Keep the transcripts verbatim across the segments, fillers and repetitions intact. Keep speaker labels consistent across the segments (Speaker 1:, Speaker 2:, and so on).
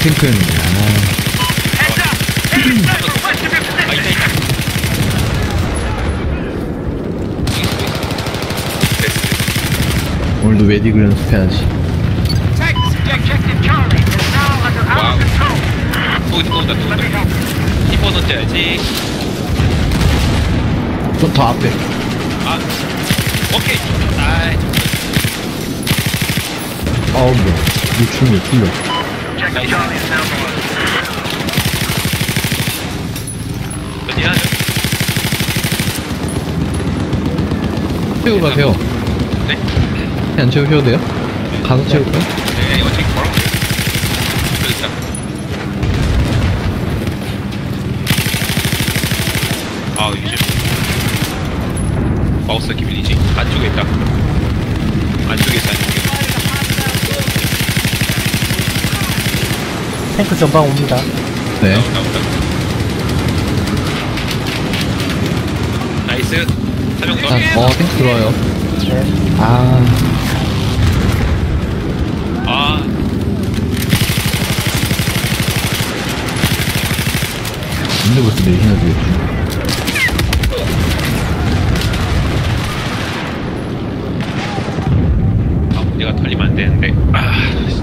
Speaker 1: 탱크였는데. 아.
Speaker 2: 아, 있다, 있다.
Speaker 1: 오늘도 메딕을 연습해야지.
Speaker 2: 와우. 또 온다, 또 온다, 또 온다. 히퍼 던져야지.
Speaker 1: 좀 더 앞에.
Speaker 2: 아, 오케이. 아이,
Speaker 1: 아우, 뭐야. 유충이 틀려.
Speaker 2: 나이스. 어디 하죠?
Speaker 1: 채우고 가세요.
Speaker 2: 네?
Speaker 1: 안 채우셔도 돼요? 가서 채울까요?
Speaker 2: 네, 어차피 걸어. 그렇다. 아, 이제 마우스 기밀이지. 안쪽에 있다. 안쪽에 있어, 안쪽에.
Speaker 3: 탱크 전방 옵니다.
Speaker 1: 네.
Speaker 2: 나온다, 나온다. 나이스. 사명 더.
Speaker 1: 자, 어, 탱크 들어와요.
Speaker 3: 네.
Speaker 1: 아,
Speaker 2: 아,
Speaker 1: 근데 벌써 내시나 되겠지.
Speaker 2: 아, 내가 털리면 안 되는데. 아,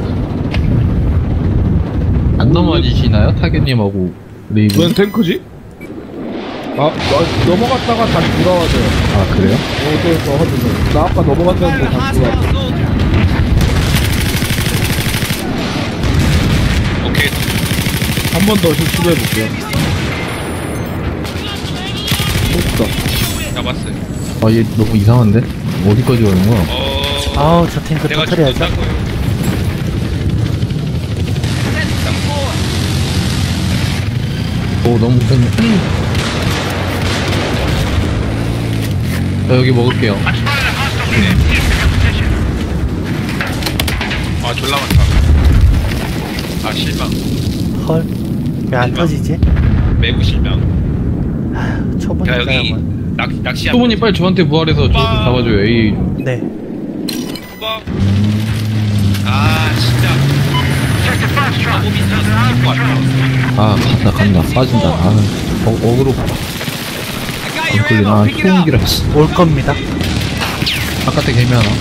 Speaker 1: 안 넘어지시나요? 타겟님하고 레이브?
Speaker 4: 웬 탱크지? 아, 나, 넘어갔다가 다시 돌아와줘요.
Speaker 1: 아, 그래요?
Speaker 4: 어, 또, 또, 하던데. 나 아까 넘어갔다는데 다시 돌아왔어.
Speaker 2: 오케이.
Speaker 4: 한 번 더 시도해볼게요. 됐다.
Speaker 2: 잡았어요.
Speaker 1: 아, 얘 너무 이상한데? 어디까지 가는 거야?
Speaker 2: 어,
Speaker 3: 아우, 저 탱크
Speaker 2: 내가
Speaker 3: 터트려야죠.
Speaker 2: 죽는다고요.
Speaker 1: 오, 너무 큰. 자, 여기 먹을게요.
Speaker 2: 아, 졸라 많다. 아, 실망.
Speaker 3: 헐. 왜 안
Speaker 2: 실망.
Speaker 3: 터지지?
Speaker 2: 매우 실망.
Speaker 3: 아휴, 초보니까
Speaker 2: 자, 여기
Speaker 3: 뭐.
Speaker 2: 낚, 낚시 한
Speaker 1: 소문이 빨리 저한테 부활해서 저 좀
Speaker 2: 빵.
Speaker 1: 잡아줘요. 에이.
Speaker 3: 네.
Speaker 2: 번. 아, 진짜. 너무 비싸서 죽을 것 같아.
Speaker 1: 아, 간다, 간다. 빠진다. 아, 어, 어그로. 안 끌리나. 아, 소음기라. 씨.
Speaker 3: 올 겁니다.
Speaker 1: 바깥에 개미 하나.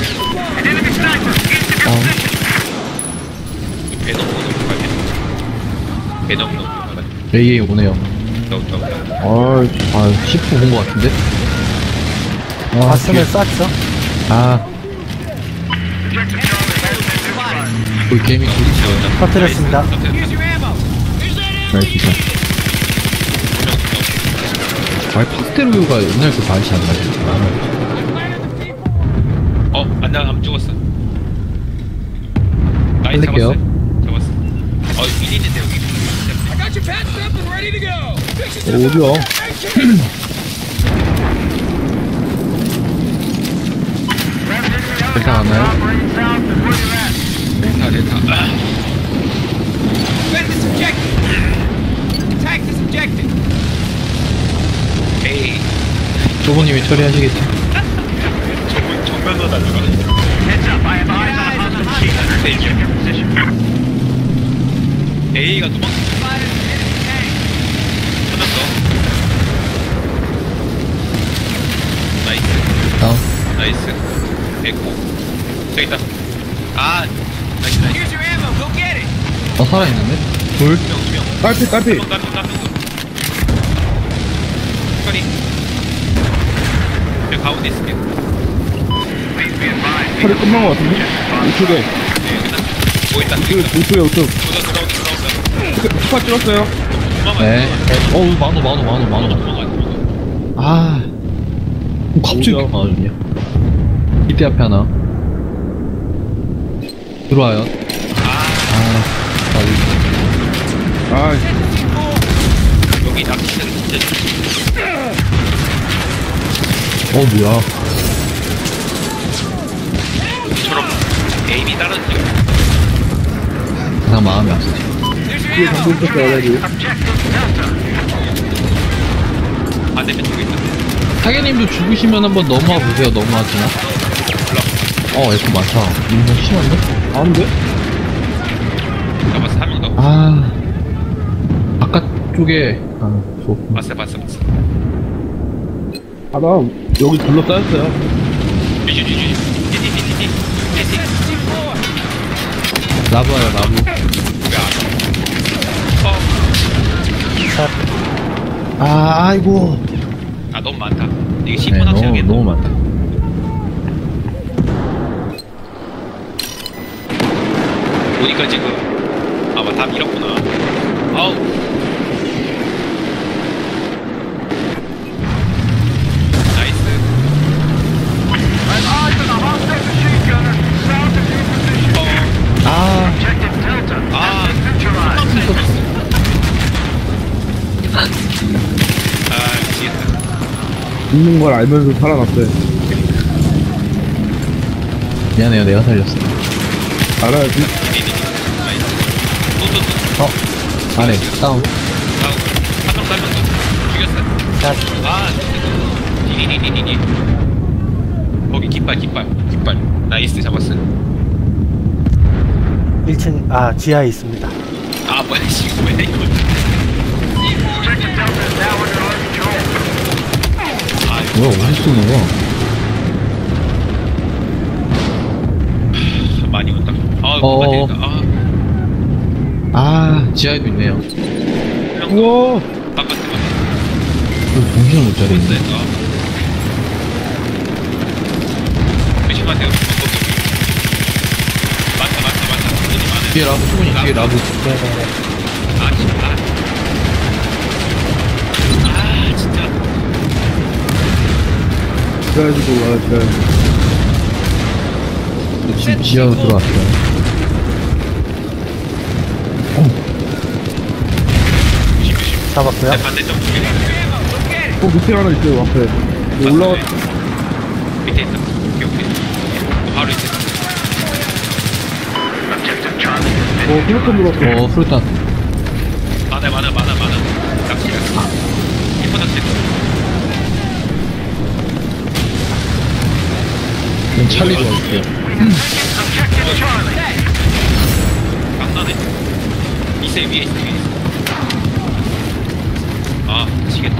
Speaker 1: 아,
Speaker 2: 배 너무 너무 가야 돼. 배 너무 너무 가야 돼.
Speaker 1: 에이에이 오네요.
Speaker 2: 너무 너무.
Speaker 1: 아, 아, 십 분 본 것 같은데? 아,
Speaker 3: 봤으면 쐈죠.
Speaker 1: 아. 그 게임이 굴리죠.
Speaker 3: 터뜨렸습니다.
Speaker 1: 나이스. 아, 파스텔우유가 옛날 그 맛이 안 나지.
Speaker 2: 어, 안나 안 죽었어. 나이
Speaker 1: 살릴게요.
Speaker 2: 잡았어. 잡았어. 어, 미리 있는데 여기.
Speaker 4: 어, 어디야?
Speaker 1: 괜찮았나요?
Speaker 2: 됐다 됐다. 에이,
Speaker 1: 조부님이 처리하시겠지?
Speaker 2: 정면 정면으로 달려가. A가 도망. 찾았어. 나이스.
Speaker 1: 다운.
Speaker 2: 나이스. 됐고. 저기 있다. 아, 나이스 나이스.
Speaker 1: 어, 살아있는데? 둘?
Speaker 2: 두 명, 두 명.
Speaker 4: 딸피, 딸피.
Speaker 2: 한 명, 한 명, 한 명. 스카리. 저 가운데 있을게.
Speaker 4: 팔이 끝난 것 같은데? 우측에.
Speaker 2: 네, 여기다. 뭐 있다.
Speaker 4: 그,
Speaker 2: 여기 있다.
Speaker 4: 우측에, 우측.
Speaker 2: 들어온다, 들어온다, 들어온다.
Speaker 4: 스파 찍었어요.
Speaker 2: 도망가.
Speaker 1: 네. 어우, 만호, 만호, 만호, 만호.
Speaker 2: 도망가, 도망가.
Speaker 1: 아. 어, 갑자기
Speaker 4: 오죠.
Speaker 1: 만호냐? 이때 앞에 하나. 들어와요.
Speaker 2: 아,
Speaker 1: 아, 여기.
Speaker 4: 아,
Speaker 2: 여기 낚시는 진짜
Speaker 1: 어, 뭐야.
Speaker 2: 여기처럼 에임이 다른지요.
Speaker 1: 그냥 마음이 아프지.
Speaker 4: 뒤에 정보 있었어, 알레디.
Speaker 2: 반대편 쪽에 있다.
Speaker 1: 타겟님도 죽으시면 한번 넘어와 보세요. 넘어와지나? 어, 에코 많다. 이거 심한데?
Speaker 4: 안 돼?
Speaker 2: 잡았어, 한 명 더.
Speaker 1: 아, 바깥쪽에, 아, 좋고.
Speaker 2: 봤어 봤어 봤어.
Speaker 4: 아, 나 여기 둘러싸였어요.
Speaker 2: 쥐쥐쥐쥐. 띠띠띠띠띠. 띠띠.
Speaker 1: 라브야, 라브.
Speaker 2: 왜안 와? 어.
Speaker 3: 샷.
Speaker 1: 아, 아이고.
Speaker 2: 아 너무 많다. 이게
Speaker 1: 네,
Speaker 2: 시폰
Speaker 1: 너무,
Speaker 2: 확실하겠다.
Speaker 1: 너무 많다.
Speaker 2: 보니까 지금 아마 다 밀었구나. 아우. 나이스. 어.
Speaker 1: 아,
Speaker 2: 아. 아 미치겠다.
Speaker 4: 죽는 걸 알면서 살아났어요.
Speaker 1: 미안해요, 내가 살렸어.
Speaker 4: 알아야지.
Speaker 2: 나이스. 또또또.
Speaker 1: 어, 안에, 다운.
Speaker 2: 한명 살면 죽였어.
Speaker 3: 샷.
Speaker 2: 아, 디디디디디디. 거기 깃발, 깃발, 깃발. 나이스, 잡았어.
Speaker 3: 일 층, 아, 지하에 있습니다.
Speaker 2: 아, 뭐야, 씨, 뭐야, 이거. 아, 이거
Speaker 1: 뭐야, 어디 쏘는 거야?
Speaker 2: 많이 온다. 아,
Speaker 1: 어어어.
Speaker 2: 뭔가 되니까. 아,
Speaker 1: 아, 지하에도 있네요.
Speaker 2: 형,
Speaker 4: 우와!
Speaker 2: 바깥에, 바깥에.
Speaker 1: 그 정신을 못 차리네.
Speaker 2: 네, 아. 조심하세요. 많다, 많다, 많다. 손이 많아요.
Speaker 1: 뒤에 라브, 수분이 뒤에 라브.
Speaker 3: 네네네.
Speaker 2: 아, 진짜. 아, 진짜.
Speaker 4: 그래가지고 올라갔어요.
Speaker 1: 지금 지하로 들어왔어요.
Speaker 2: 조심, 조심.
Speaker 3: 잡았고요.
Speaker 2: 네, 반대쪽.
Speaker 4: 어, 밑에 하나 있어요, 앞에. 이거 올라가,
Speaker 2: 밑에 있다. 오케이, 오케이. 바로 밑에 있다.
Speaker 4: 어, 플랫폼 물었어.
Speaker 1: 어, 프루탄.
Speaker 2: 많아, 많아, 많아, 많아. 낚시가. 히퍼 낚시.
Speaker 1: 그럼 찰리 도와줄게요.
Speaker 2: 깜나네. 이세 위에 있어, 위에 있어. 아, 미치겠다.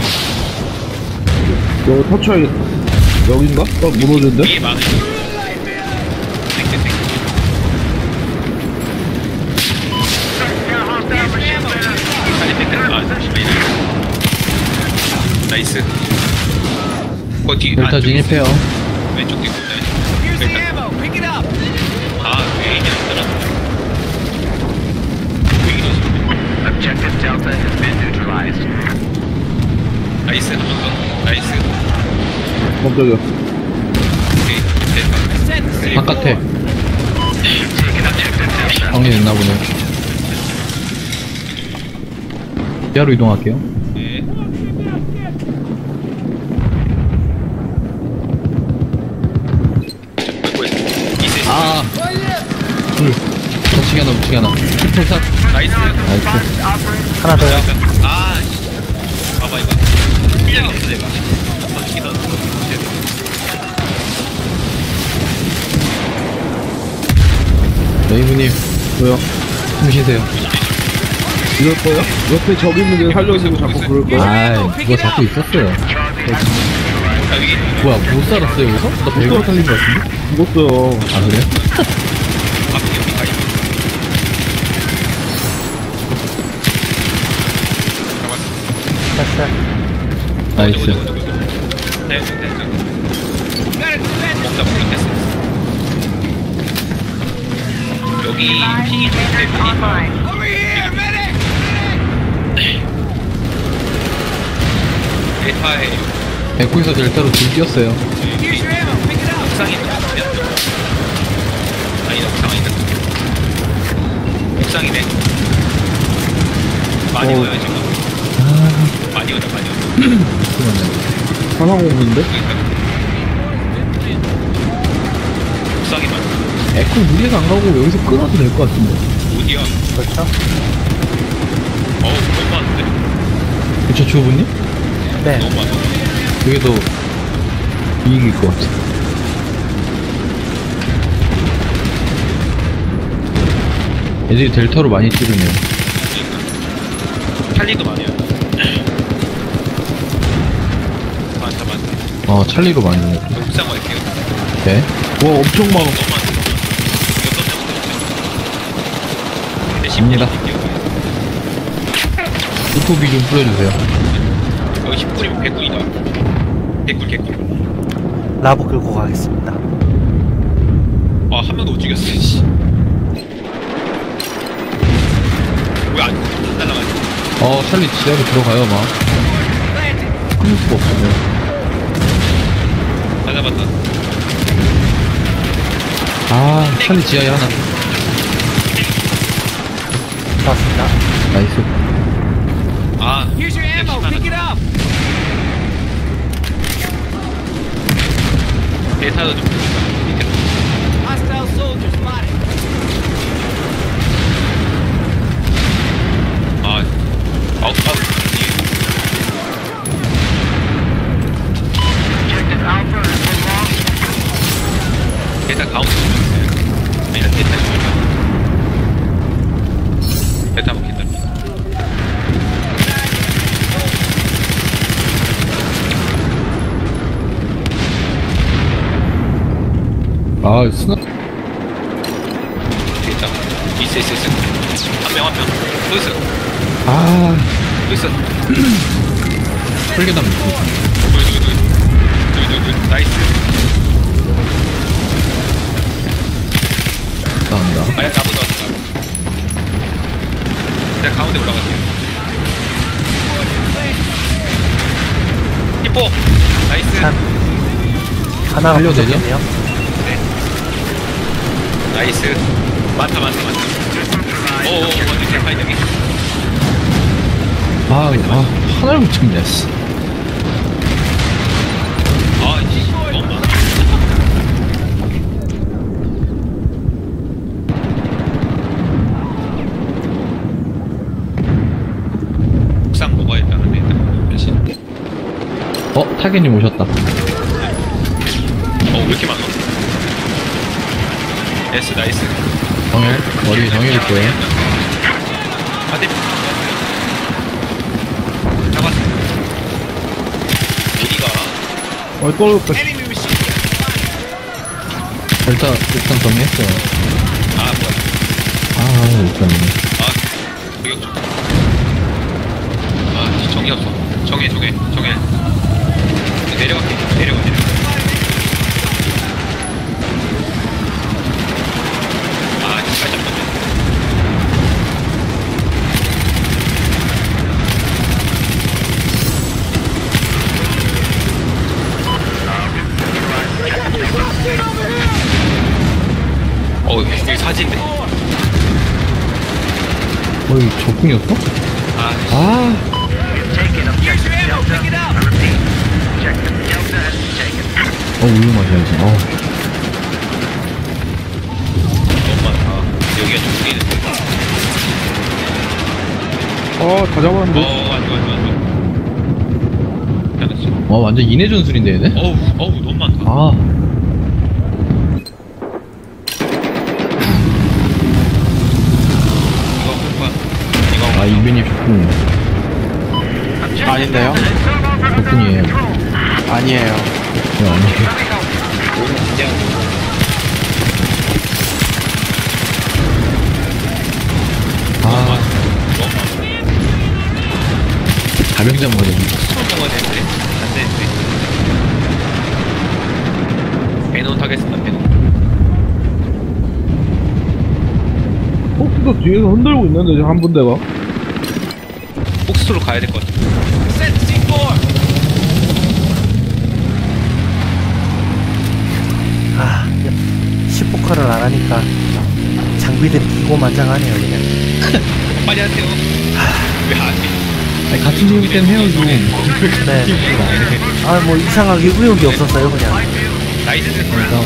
Speaker 4: 이거 터쳐야겠다. 여긴가? 어, 무너진데?
Speaker 2: 위에 많아. 땡땡, 땡. 빨리 땡땡. 아, 잠시만, 이래. 나이스. 거 뒤,
Speaker 1: 델타
Speaker 2: 안쪽에 있어.
Speaker 1: 진입해요.
Speaker 2: 왼쪽 뒤 있네. 일단. 아, 왜 이게 안 들어? 왜 이러지?
Speaker 5: Objective Delta has been neutralized.
Speaker 2: 나이스, 한 번 더. 나이스.
Speaker 4: 깜짝이야.
Speaker 2: 오케이, 됐다. 그리고
Speaker 1: 바깥에.
Speaker 5: Taken Objective Delta.
Speaker 1: 정리됐나 보네. 지하로 이동할게요.
Speaker 2: 네. 자, 이세.
Speaker 1: 아! 둘. 붙이기 하나, 붙이기 하나. 풀샷.
Speaker 2: 나이스.
Speaker 1: 나이스.
Speaker 3: 하나 더요.
Speaker 2: 아, 씨. 봐봐, 이거. 실력이 없어, 내가. 던지기도 하고.
Speaker 1: 레이브님,
Speaker 4: 왜요?
Speaker 1: 숨 쉬세요.
Speaker 4: 이럴 거야? 옆에 저기 있는 게 살려주고 자꾸 그럴 거야?
Speaker 1: 아이, 그거 잡고 있었어요.
Speaker 2: 아, 여기.
Speaker 1: 뭐야, 못 살았어요, 여기서? 나 배가 살린 것 같은데?
Speaker 4: 죽었어요.
Speaker 1: 아, 그래요?
Speaker 2: 앞에 여기 가 있어. 잡았어.
Speaker 3: 샷, 샷.
Speaker 1: 나이스.
Speaker 2: 저거, 저거, 저거. 네, 네, 네. 먹다 보면 됐어. 여기 핑이 좀 있대, 데이터에
Speaker 1: 에코에서 델타로 둘 뛰었어요.
Speaker 2: 옥상에 있는 거 같으면 아니다, 옥상 아니다. 옥상이네. 많이
Speaker 4: 어.
Speaker 2: 오요, 지금. 많이 오다, 많이 오다.
Speaker 1: 잠깐만요.
Speaker 4: 상황 없는데?
Speaker 2: 옥상이 많아.
Speaker 1: 에코 무리해서 안 가고 여기서 끊어도 될 것 같은데.
Speaker 2: 어디야?
Speaker 3: 그렇죠?
Speaker 2: 어우, 너무 많은데?
Speaker 1: 그쵸, 주호부님?
Speaker 3: 네.
Speaker 2: 너무 많아.
Speaker 1: 그게 더 이익일 것 같아. 애들이 델타로 많이 찌르네요.
Speaker 2: 찰리도 많아요. 많다 많다.
Speaker 1: 어 찰리로 많이 해.
Speaker 2: 저 옥상 갈게요.
Speaker 1: 네.
Speaker 4: 와 엄청 많아.
Speaker 2: 너무 많아. 여섯 명도 없죠. 네,
Speaker 1: 갑니다. 유토비 좀 뿌려주세요.
Speaker 2: 여기 십 분이면 개꿀이다. 개꿀 개꿀.
Speaker 3: 라브 끌고 가겠습니다.
Speaker 2: 아, 한 명도 못 죽였어, 씨. 왜 안, 안 날라가지?
Speaker 1: 어 찰리 지하로 들어가요 막. 끊을 수가 없어요.
Speaker 2: 다 잡았다.
Speaker 1: 아 찰리 지하에 하나.
Speaker 3: 좋았습니다.
Speaker 1: 나이스.
Speaker 2: 아, Here's your ammo, pick it up! 대사도 좀 보자. 밑으로.
Speaker 6: Hostile soldiers spotted.
Speaker 2: 아, 아웃, 아웃.
Speaker 5: Objective Alpha has been lost.
Speaker 2: 대사 가운데 주면 아니면 대사 주면 대사 먹힌다.
Speaker 1: 아 스나.
Speaker 2: 대사. 있어, 있어, 있어. 한 명, 한 명. 또 있어.
Speaker 1: 아
Speaker 2: 또 있어.
Speaker 1: 설계담.
Speaker 2: 둘, 둘, 둘. 둘, 둘, 둘. 나이스.
Speaker 1: 나온다.
Speaker 2: 아, 야, 나무 나왔어. 내가 가운데 올라갈게요. 히포! 나이스.
Speaker 3: 한 하나가
Speaker 1: 살려도 되죠?
Speaker 3: 부족했네요.
Speaker 2: 나이스. 많다, 많다, 많다. 오오, 완전 대파이 여기.
Speaker 1: 아, 아 하나를 못 찍냐 씨.
Speaker 2: 아, 이씨, 너무 많아. 옥상 먹어야 일단은 일단 몇시?
Speaker 1: 어 타겟님 오셨다.
Speaker 2: 어, 왜 이렇게 많아? 나이스, 나이스.
Speaker 1: 정일 머리 정일일 거예요.
Speaker 2: 아, 네. 잡았어. 어디가?
Speaker 4: 어 떨어졌다.
Speaker 6: Enemy machine gun spotted.
Speaker 1: 일단 일단 정리했어요.
Speaker 2: 아, 뭐야.
Speaker 1: 아 일단
Speaker 2: 아, 저격 좀. 아, 정이 없어. 정해, 정해, 정해. 내려갈게. 내려가, 내려가. 아, 잘 잡았네. 어, 여기 사진인데.
Speaker 1: 어이 적군이었어?
Speaker 2: 아,
Speaker 1: 아
Speaker 5: Taken
Speaker 6: Here's your
Speaker 5: objective
Speaker 6: ammo,
Speaker 5: Delta.
Speaker 6: pick it up.
Speaker 5: I repeat. Objective Delta has been taken.
Speaker 1: 어 우유 마셔야지. 어
Speaker 2: 너무 많다. 여기가 좀 보이는데.
Speaker 4: 아다 잡았는데.
Speaker 2: 어, 안 좋아, 안 좋아, 안 좋아. 잘했어.
Speaker 1: 어, 완전 인해 전술인데 얘네?
Speaker 2: 어우, 어우, 너무 많다.
Speaker 1: 아
Speaker 2: 이거 한번 이거
Speaker 1: 아 이변이 적군.
Speaker 7: 아닌데요?
Speaker 1: 적군이에요.
Speaker 7: 아니에요.
Speaker 1: 네, 아니에요. 아 가병장 모델.
Speaker 2: 스톤 먹어야 되는데 안 되는데. 배논 타겠습니다. 배논.
Speaker 4: 폭스도 뒤에서 흔들고 있는데 지금 한 분대가.
Speaker 2: 폭스로 가야 될 것 같아.
Speaker 6: Set C four.
Speaker 3: 아, 십포카를 안 하니까 장비들이 기고만장하네요, 그냥.
Speaker 2: 빨리 하세요. 왜 안 해?
Speaker 1: 아니 같은 팀이기 때문에 해야죠.
Speaker 3: 네. 아, 뭐 이상하게 의욕이 없었어요, 그냥.
Speaker 2: 나이스.
Speaker 1: 그러니까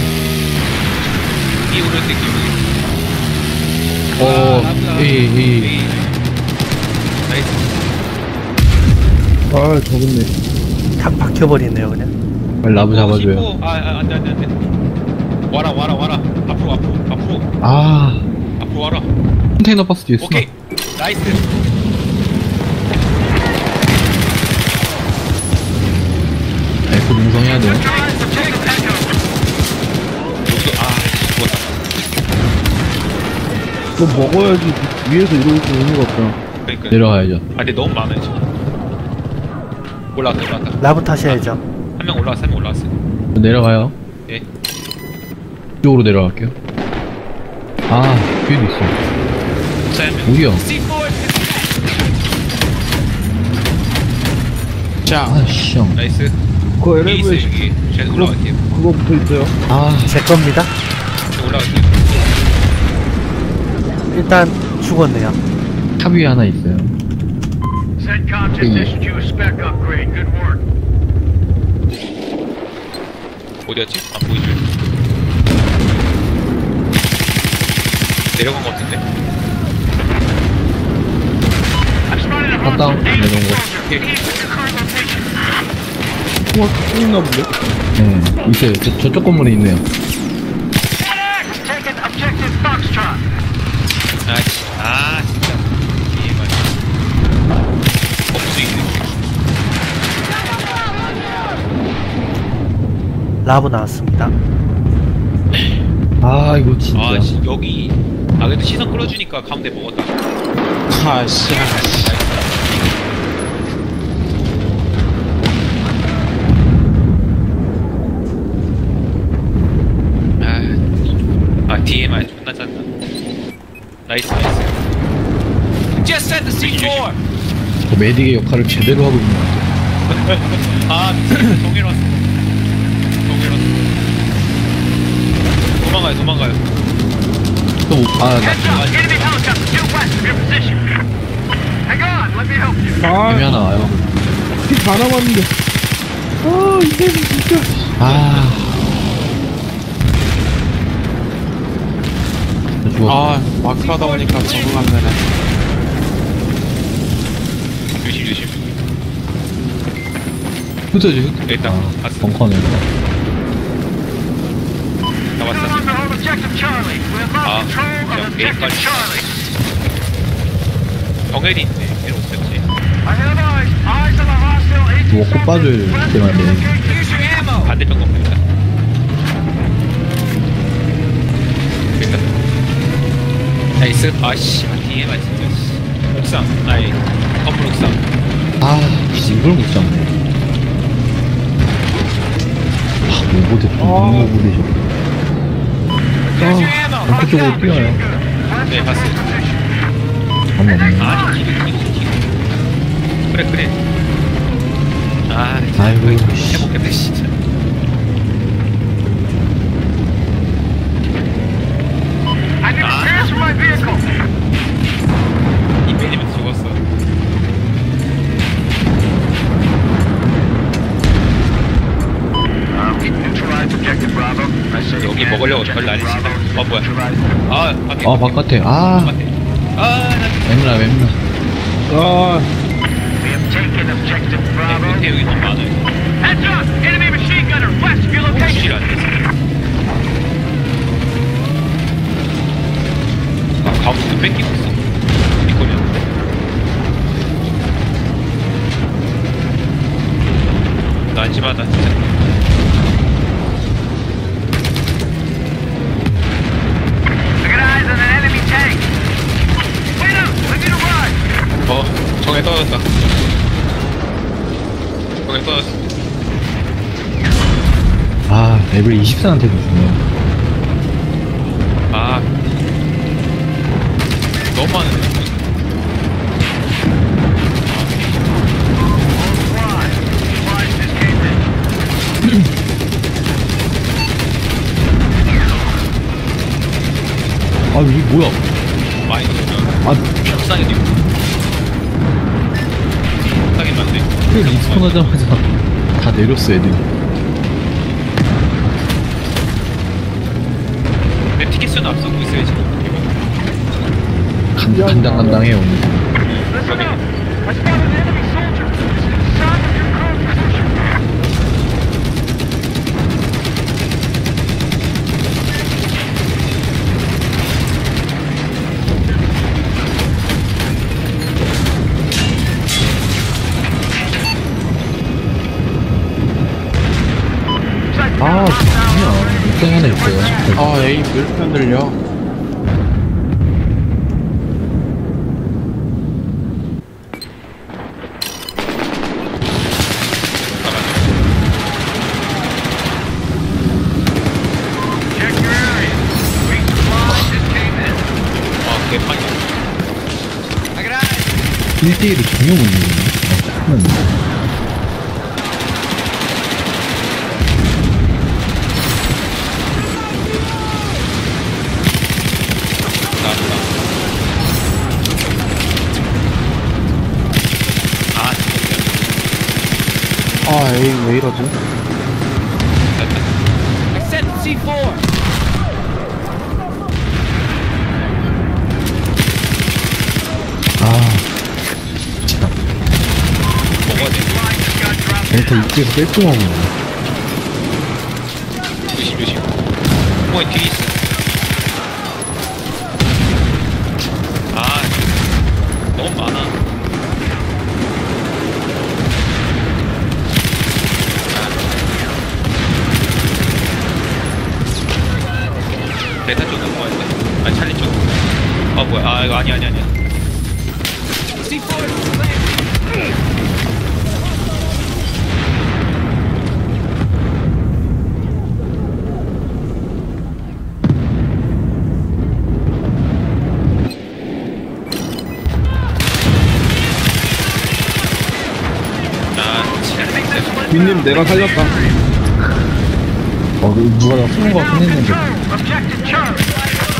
Speaker 2: 이 오를 때 기분.
Speaker 1: 어, 이, 이.
Speaker 2: 나이스.
Speaker 4: 아 저기 있네.
Speaker 3: 탁 박혀버리네요, 그냥.
Speaker 1: 빨리 라브 잡아줘요.
Speaker 2: 어, 아, 아, 안 돼, 안 돼, 안 돼. 와라, 와라, 와라. 앞으로, 앞으로, 앞으로.
Speaker 1: 아
Speaker 2: 앞으로 와라.
Speaker 1: 컨테이너 버스 뒤에 쓰나?
Speaker 2: 오케이. 나이스.
Speaker 1: 에코 능성해야 돼요.
Speaker 2: 여기도 아 죽었다.
Speaker 4: 그거 먹어야지 위에서 이러고 있으면 의미가 없잖아.
Speaker 2: 그러니까.
Speaker 1: 내려가야죠.
Speaker 2: 아 근데 너무 많아요 지금. 올라왔다 올라왔다.
Speaker 3: 라브 타셔야죠.
Speaker 2: 한 명 올라왔어 한 명 올라왔어.
Speaker 1: 내려가요.
Speaker 2: 예.
Speaker 1: 이쪽으로 내려갈게요. 아, 뒤에도 있어.
Speaker 2: 자, 한 명.
Speaker 1: 어디야?
Speaker 6: C four.
Speaker 1: 아, 씨, 형.
Speaker 2: 나이스.
Speaker 4: 그거
Speaker 2: 여기 있어요
Speaker 4: 엘리베이터
Speaker 2: 여기. 제가
Speaker 4: 그거,
Speaker 2: 올라갈게요.
Speaker 4: 그거 붙어 있어요.
Speaker 1: 아,
Speaker 3: 제 겁니다.
Speaker 2: 제가 올라갈게요.
Speaker 3: 일단 죽었네요.
Speaker 1: 탑 위에 하나 있어요.
Speaker 5: CENTCOM just issued you a spec upgrade. Good work.
Speaker 2: 어디였지? 안 보이죠? 내려간 것 같은데?
Speaker 5: I've spotted a
Speaker 1: 탑 다운.
Speaker 5: hostile
Speaker 1: 내려온 거.
Speaker 2: 오케이.
Speaker 5: Your current location.
Speaker 4: 우와, 또 있나 본데?
Speaker 1: 네, 있어요. 저, 저쪽 건물에 있네요.
Speaker 5: X taking objective Foxtrot.
Speaker 2: 아, 씨. 아, 진짜. 이해가 안 돼. 없수 있네.
Speaker 3: 라브 나왔습니다.
Speaker 1: 아, 이거 진짜.
Speaker 2: 아, 씨. 여기. 아, 그래도 시선 끌어주니까 가운데 먹었다.
Speaker 1: 아, 씨.
Speaker 2: 아, 아, 디엠아이 존나 짠다. 나이스, 나이스.
Speaker 6: Just sent the C four.
Speaker 1: 저 메딕의 역할을 제대로 하고 있는 것 같아요.
Speaker 2: 아, 미친. 동일 왔어. 동일 왔어. 도망가요, 도망가요.
Speaker 1: 또, 아, 나,
Speaker 5: Heads up. Enemy helicopter due west of your position. Hang on. Let me help you.
Speaker 4: 아,
Speaker 1: 힘이 하나 와요.
Speaker 4: 피 다 남았는데. 아, 이게 진짜.
Speaker 1: 아. 저 죽었어.
Speaker 7: 아, 마크 하다 보니까 적응 안 되네.
Speaker 2: 조심, 조심.
Speaker 1: 흩어지, 흩어지.
Speaker 2: 일단,
Speaker 1: 아,
Speaker 2: 봤어.
Speaker 1: 벙커네.
Speaker 2: 다
Speaker 5: No
Speaker 2: 왔어.
Speaker 5: longer hold objective Charlie. We have
Speaker 2: Ah,
Speaker 5: lost control
Speaker 2: yeah,
Speaker 5: of
Speaker 2: okay,
Speaker 5: objective
Speaker 2: got it.
Speaker 5: Charlie.
Speaker 2: 정혜리 있네. 걔는 없었지.
Speaker 5: I have eyes. Eyes on the hostile A T
Speaker 1: 뭐, 꽃빠질 때만 돼.
Speaker 6: Here's your ammo.
Speaker 2: 반대편 건물이다. 그니까. 나이스. 아씨, 디엠아 진짜. 씨. 옥상. 아이, 건물 옥상.
Speaker 1: 아, 진짜 이걸 못 잡네. 아, 오버대, 너무 오버되죠.
Speaker 6: Here's your ammo.
Speaker 1: 벙커 쪽으로 뛰어요.
Speaker 2: 네, 봤어요.
Speaker 1: 잠깐만요.
Speaker 2: 아니, 기름, 기름, 기름. 그래, 그래. 아, 진짜.
Speaker 1: 아이고, 씨.
Speaker 2: 해먹겠네, 진짜.
Speaker 5: I need
Speaker 2: Ah.
Speaker 5: repairs for my vehicle.
Speaker 2: 이 매니면 죽었어.
Speaker 5: Um, neutralize objective Bravo. I say
Speaker 2: 여기
Speaker 5: again,
Speaker 2: 먹으려고
Speaker 5: objective
Speaker 2: 별 난리
Speaker 5: Bravo
Speaker 2: 치다. 어, 뭐야.
Speaker 5: neutralized.
Speaker 2: 아, 밖에.
Speaker 1: 아, 바깥에. 아,
Speaker 2: 바깥에. 아, 나
Speaker 1: 맵나, 맵나.
Speaker 4: 아,
Speaker 5: We have taken objective Bravo.
Speaker 2: 밑에 여기 너무 많아요.
Speaker 5: Heads up! Enemy machine gunner west of your
Speaker 2: 실
Speaker 5: location.
Speaker 2: 안 됐어. 아, 가운데 뺏기고 있어. 리콜이었는데. 나 안심하다, 진짜.
Speaker 5: I got eyes on an enemy tank. Wait up! I need a ride.
Speaker 2: 어, 정에 떨어졌다. 정에 떨어졌어.
Speaker 1: 아, 레벨 이십사한테도 주네.
Speaker 2: 아. 너무 많은데.
Speaker 5: Fly. Supplies just came in.
Speaker 1: 아, 이게 뭐야?
Speaker 2: 많이 넣으면
Speaker 1: 아,
Speaker 2: 옥상에도 있고. 옥상에 맞네.
Speaker 1: 그 리스폰 하자마자 다 내렸어, 애들이.
Speaker 2: 근데 티켓 수는 앞서고 있어요, 지금.
Speaker 1: 간, 간당간당해요, 오늘.
Speaker 5: Listen up. I spotted an enemy soldier. It's inside of your current position.
Speaker 1: 하나 있어요.
Speaker 7: 아 에임 왜 이렇게 안 들려?
Speaker 5: Check your area. Wait supply just came in.
Speaker 2: 와 개판이야.
Speaker 6: I got eyes.
Speaker 1: 일 대일이 전혀 못 이기네. 아, 짜증나.
Speaker 2: 나왔다. 아 진짜.
Speaker 7: 아 에임 왜 이러지?
Speaker 2: 됐다.
Speaker 6: I set the C four.
Speaker 1: 아,
Speaker 2: 먹어야 돼.
Speaker 1: 엔터 입구에서 뺄 수가 없네.
Speaker 2: 조심 조심. 뭐 뒤에 있어. 아 너무 많아. 베타 쪽 넘어야 돼. 아니 찰리 쪽. 아 뭐야? 아 이거 아니 아니 아니야.
Speaker 6: C four is clear.
Speaker 2: 아 진짜.
Speaker 4: 빈님 내가 살렸다.
Speaker 1: 어, 그 누가 나 쏘는 거 같긴 했는데.
Speaker 5: Objective Charlie.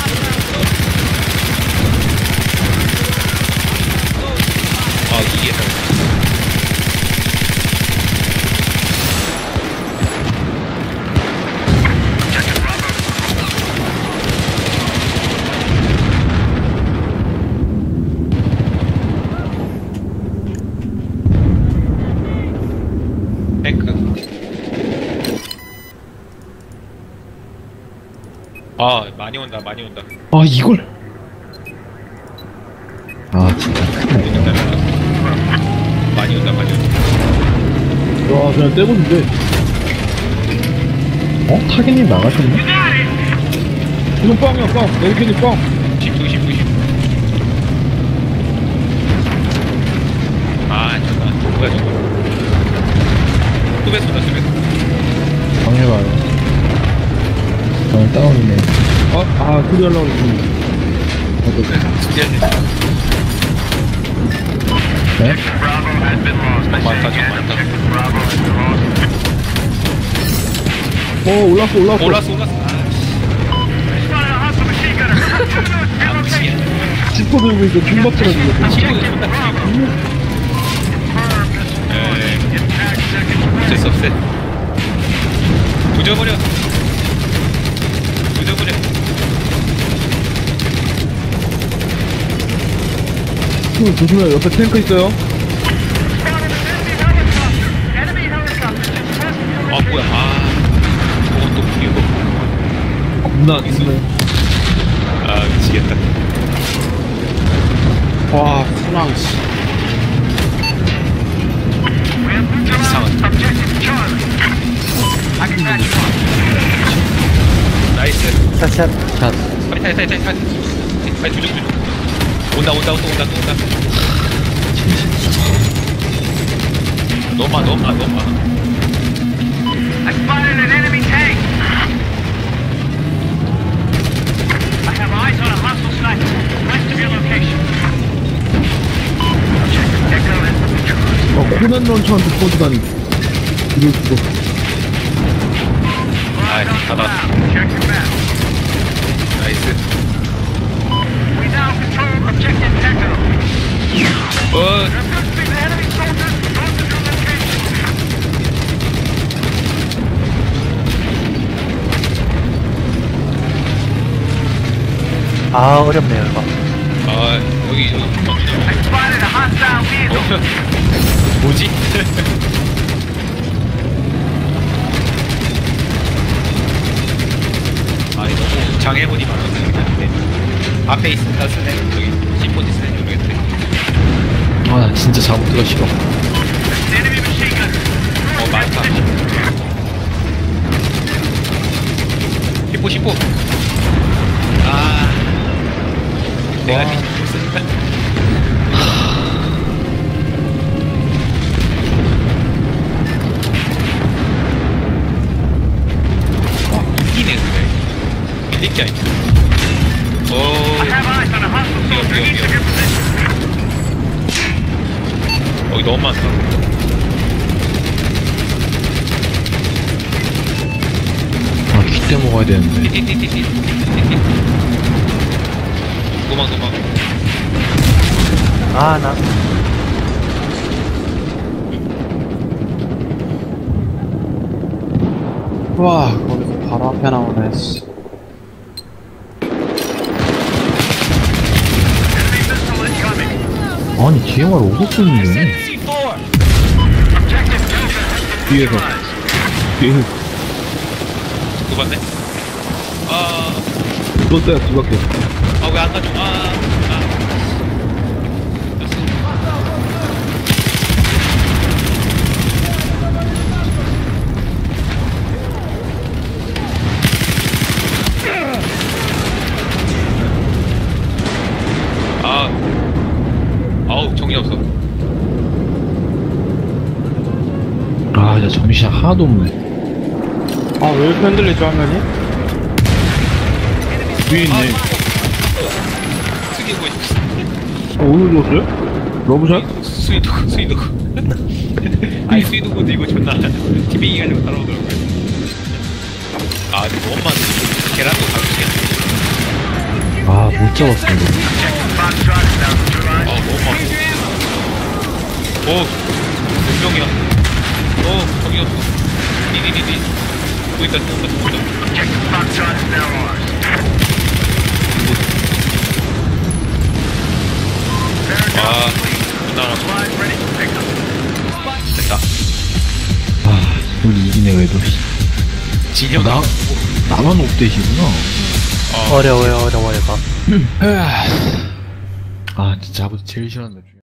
Speaker 2: 아 이게. 탱크. 아 많이 온다 많이 온다.
Speaker 1: 아, 이걸. 아, 진짜 큰일 났다.
Speaker 2: 많이 온다 많이 온다.
Speaker 4: 와, 그냥 떼보는데.
Speaker 1: 어? 타겟님 나가셨네?
Speaker 4: 이건 빵이야, 빵. 에이케니 빵.
Speaker 2: 조심 조심 조심. 아 잠깐 뭐야 저거. 수배 쏜다 수배.
Speaker 1: 방해봐요. 어, 다운이네.
Speaker 4: 아, 아, 소리 하려고 했는데.
Speaker 1: 네?
Speaker 5: Bravo has been lost.
Speaker 2: 많다 좀 많다.
Speaker 5: Bravo has been lost.
Speaker 4: 어, 올랐어, 올랐어.
Speaker 2: 올랐어 올랐어.
Speaker 5: Spotted a hostile machine gunner.
Speaker 2: 아 미치겠네.
Speaker 4: 지퍼 들고 있어, 중박처럼 생겼어.
Speaker 2: 치료가 존나 치료. 에이 어쩔 수 없어. 조져버려. 조져버려.
Speaker 4: 형, 조심해, 옆에 탱크 있어요.
Speaker 5: Enemy helicopter just west of your
Speaker 2: 아 뭐야 아 저건 또 이거.
Speaker 4: 겁나 안 있네.
Speaker 2: 아 미치겠다.
Speaker 7: 와 순항 씨.
Speaker 2: 이상한.
Speaker 5: objective Charlie. I can patch you up.
Speaker 2: 나이스.
Speaker 3: 샷샷.
Speaker 1: 샷.
Speaker 2: 빨리 타야 타야 타야 타야. 빨리 조져 조져. 온다 온다 또 온다 또 온다. 너무 많아 너무 많아 너무 많아.
Speaker 5: I spotted an enemy tank. I have eyes on a hostile sniper west of your location. Objective Echo has been neutralized.
Speaker 4: 아, 코난 런처한테 쏘지다니. 이럴 수가.
Speaker 2: 아이 가다.
Speaker 5: Check your map.
Speaker 2: 나이스.
Speaker 5: We now control objective Echo.
Speaker 2: 어
Speaker 5: There appears to be the enemy soldiers north of your location.
Speaker 3: 아, 어렵네요, 이거.
Speaker 2: 아 여기 여기
Speaker 5: I spotted a hostile vehicle.
Speaker 2: 어 뭐지? 아 이거 너무 장애물이 많아서 근데 앞에 있으니까 쓰네 저기 시포지 쓰네 모르겠네.
Speaker 1: 아, 나 진짜 잘못들어 싫어.
Speaker 5: Enemy machine gun.
Speaker 2: 어 많다. 십포 십포. 아 내가 뒤집어 쓰니까. 이기네 그래. 밀릴 게 아니야. 오.
Speaker 5: Have eyes on a hostile
Speaker 2: 뛰어
Speaker 5: soldier
Speaker 2: 뛰어
Speaker 5: east
Speaker 2: 뛰어.
Speaker 5: of your position.
Speaker 2: 여기 너무 많다.
Speaker 1: 아, 깃대 먹어야 되는데.
Speaker 2: 띠띠띠띠띠. 도망 도망.
Speaker 3: 아, 나.
Speaker 7: 와, 거기서 바로 앞에 나오네, 씨.
Speaker 5: Enemy missile incoming.
Speaker 1: 아니, 디엠알 오고
Speaker 6: I
Speaker 1: 쏘는데.
Speaker 6: sent C four.
Speaker 5: Objective Delta has been
Speaker 4: 뒤에서.
Speaker 5: neutralized.
Speaker 4: 뒤에서
Speaker 2: 또 봤네. 아.
Speaker 4: 쏜다야 뒤밖에.
Speaker 2: 아 왜 안 가져? 아, 아. 됐어. 아, 아우 정신 없어.
Speaker 1: 아, 진짜 정신 하나도 없네.
Speaker 7: 아, 왜 이렇게 흔들리죠, 화면이?
Speaker 4: 뒤에 있네.
Speaker 2: 숙이고 있어.
Speaker 4: 어, 오늘 줬어요? 러브샷?
Speaker 2: 스위드 스위드. 아니 스위드 모드 이거 존나 티빙이 가지고 따라오더라고요. 아 근데 너무 많네. 계란도 가끔씩.
Speaker 1: 아, 못 잡았어, 이거.
Speaker 5: Foxtrot is now neutralized.
Speaker 2: 아 너무 많아. 오, 몇 명이야? 어, 저기 없어. 디디디디. 또 있다, 또 있다, 또 있다.
Speaker 5: Objective Foxtrot is now ours.
Speaker 2: 아, 끝나라.
Speaker 5: Supplies ready for pickup.
Speaker 2: 됐다.
Speaker 1: 아, 우리 이기네, 그래도.
Speaker 2: 진영
Speaker 1: 나, 나만 옵대시구나.
Speaker 2: 어.
Speaker 3: 어려워요, 어려워, 이거.
Speaker 1: 아, 진짜 아버지 제일 싫어하는 것 중에.